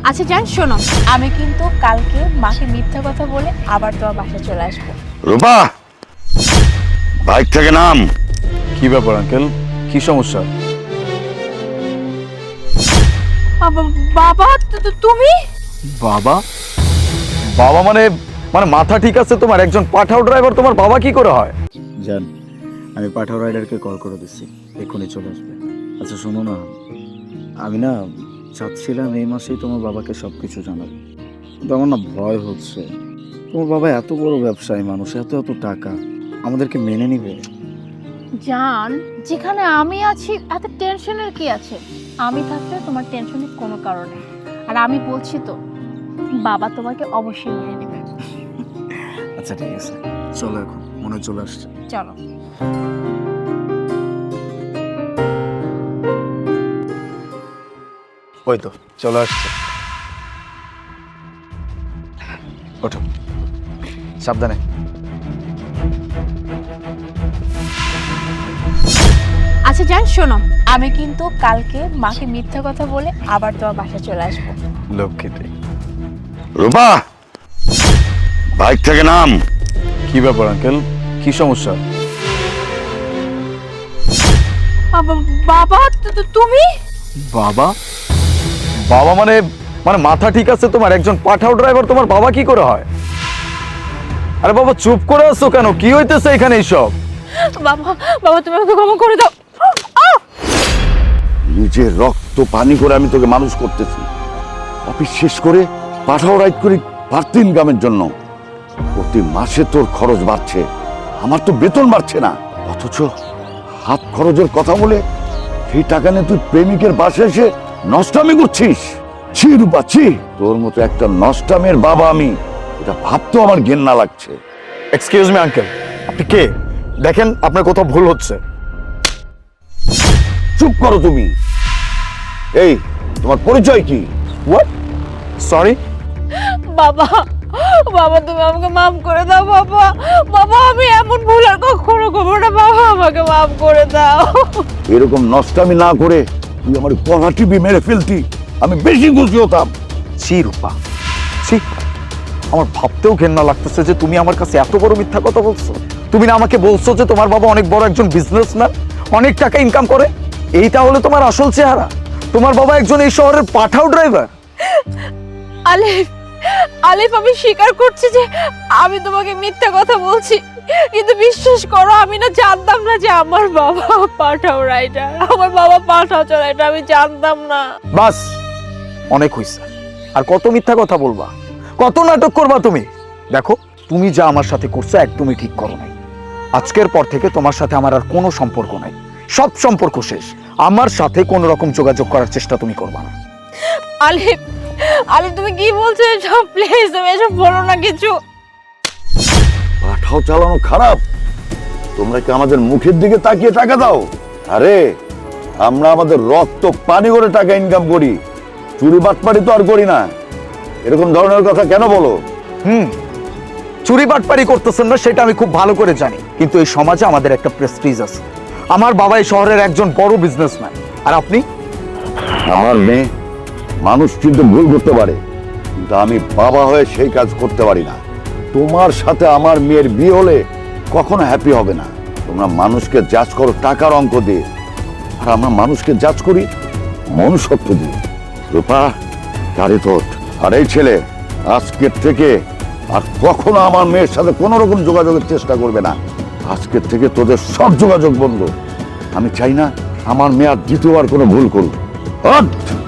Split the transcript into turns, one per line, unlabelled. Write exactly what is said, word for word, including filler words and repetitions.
আচ্ছা জান শোনো, আমি কিন্তু কালকে মাকে মিথ্যা কথা বলে আবার তোমার বাসায় চলে আসবো।
রূপা, বাইক থেকে নাম।
কি ব্যাপার আঙ্কেল, কি সমস্যা?
বাবা তু- তু- তুমি
বাবা? বাবা মানে মানে মাথা ঠিক আছে তোমার? একজন পাঠাও ড্রাইভার তোমার বাবা কি করে হয়? জান, আমি পাঠাও রাইডারকে কল করে দিচ্ছি, এক্ষুনি চলে আসবে। আচ্ছা শোনো না, আমি না চাচ্ছিলাম এই মাসেই তোমার বাবাকে সব কিছু জানাবো, কিন্তু আমার না ভয় হচ্ছে। তোমার বাবা এত বড় ব্যবসায়ী মানুষ, এত এত টাকা, আমাদেরকে মেনে নিবে?
জান, যেখানে আমি আছি এত টেনশনের কি আছে? আমি থাকতে তোমার টেনশনের কোনো কারণ নেই। আর আমি বলছি তো, বাবা তোমাকে অবশ্যই মেনে নেবে।
আচ্ছা ঠিক আছে, চলো এখন, মনে হয় চলে আসছে।
চলো।
ওই তো চলে আসছে। ওঠো, সাবধানে।
আচ্ছা জান শোনো, আমি কিন্তু কালকে মাকে মিথ্যা কথা বলে আবার তোমার বাসায় চলে আসবো।
লক্ষ্মীতে।
রূপা, বাইক থেকে নাম।
কি ব্যাপার আঙ্কেল, কি সমস্যা?
বাবা তু- তু- তুমি
বাবা? বাবা মানে মানে মাথা ঠিক আছে তোমার? একজন পাঠাও ড্রাইভার তোমার বাবা কি করে হয়? আরে বাবা চুপ করে আছো কেন? কি হইতেছে এখানে এইসব?
বাবা, বাবা তুমি আমাকে ক্ষমা করে দাও।
নিজের রক্ত পানি করে আমি তোকে মানুষ করতেছি, অফিস শেষ করে পাঠাও রাইড করি বাড়তি ইনকামের জন্য। প্রতি মাসে তোর খরচ বাড়ছে, আমার তো বেতন বাড়ছে না। অথচ হাত খরচের কথা বলে সেই টাকা নিয়ে তুই প্রেমিকের বাসে এসে নষ্টামি করছিস। ছি রূপা ছি, তোর মতো একটা নষ্টামের বাবা আমি, এটা ভাবতেও আমার ঘেন্না লাগছে।
এক্সকিউজ মি আঙ্কেল, আপনি কে? দেখেন আপনার কোথাও ভুল হচ্ছে।
চুপ করো তুমি। এই তোমার পরিচয় কি?
হোয়াট? সরি।
বাবা, বাবা তুমি আমাকে মাফ করে দাও বাবা। বাবা আমি এমন ভুল আর কখনো করবো না বাবা, আমাকে মাফ করে দাও।
এরকম নষ্টামি না করে তুই আমার পড়া টিভি মেরে ফেলতি, আমি বেশি খুশি হতাম।
ছি রূপা, ছি। আমার ভাবতেও ঘেন্না লাগতেছে যে তুমি আমার কাছে এত বড় মিথ্যা কথা বলছো। তুমি না আমাকে বলছো যে তোমার বাবা অনেক বড় একজন বিজনেসম্যান, অনেক টাকা ইনকাম করে? এইটা হলো তোমার আসল চেহারা? তোমার বাবা একজন এই শহরের পাঠাও ড্রাইভার?
আলিফ, আলিফ আমি স্বীকার করছি যে আমি তোমাকে মিথ্যা কথা বলছি, কিন্তু বিশ্বাস করো আমি না জানতাম না যে আমার বাবা পাঠাও রাইডার, আমার বাবা পাঠাও রাইডার, আমি জানতাম না।
বাস, অনেক হইছে। আর কত মিথ্যা কথা বলবা, কত নাটক করবা তুমি? দেখো তুমি যা আমার সাথে করছো একদমই ঠিক করো নাই। আজকের পর থেকে তোমার সাথে আমার আর কোনো সম্পর্ক নাই, সব সম্পর্ক শেষ। আমার সাথে কোনো রকম যোগাযোগ করার চেষ্টা তুমি করবা না।
আলিফ, আলিফ তুমি কি বলছো এসব? প্লিজ তুমি এসব বলো না কিছু।
পাঠাও চালানো খারাপ? তোমরা কি আমাদের মুখের দিকে তাকিয়ে টাকা দাও? আরে আমরা আমাদের রক্ত পানি করে টাকা ইনকাম করি, চুরি বাটপাড়ি তো আর করি না। এরকম ধরনের কথা কেন বলো?
হুম, চুরি বাটপারি করতেছেন না সেটা আমি খুব ভালো করে জানি, কিন্তু এই সমাজে আমাদের একটা প্রেস্টিজ আছে। আমার বাবা এই শহরের একজন বড় বিজনেসম্যান, আর আপনি?
আমার মেয়ে মানুষ কিন্তু ভুল করতে পারে, কিন্তু আমি বাবা হয়ে সেই কাজ করতে পারি না। তোমার সাথে আমার মেয়ের বিয়ে হলে কখনো হ্যাপি হবে না। তোমরা মানুষকে জাজ করো টাকার অঙ্ক দিয়ে, আর আমরা মানুষকে জাজ করি মনুষ্যত্ব দিয়ে। রূপা, গাড়ি তোট। আর এই ছেলে আজকের থেকে আর কখনো আমার মেয়ের সাথে কোনো রকম যোগাযোগের চেষ্টা করবে না। আজকের থেকে তোদের সব যোগাযোগ বন্ধ। আমি চাই না আমার মেয়ে আর দ্বিতীয়বার কোনো ভুল করুক। হট!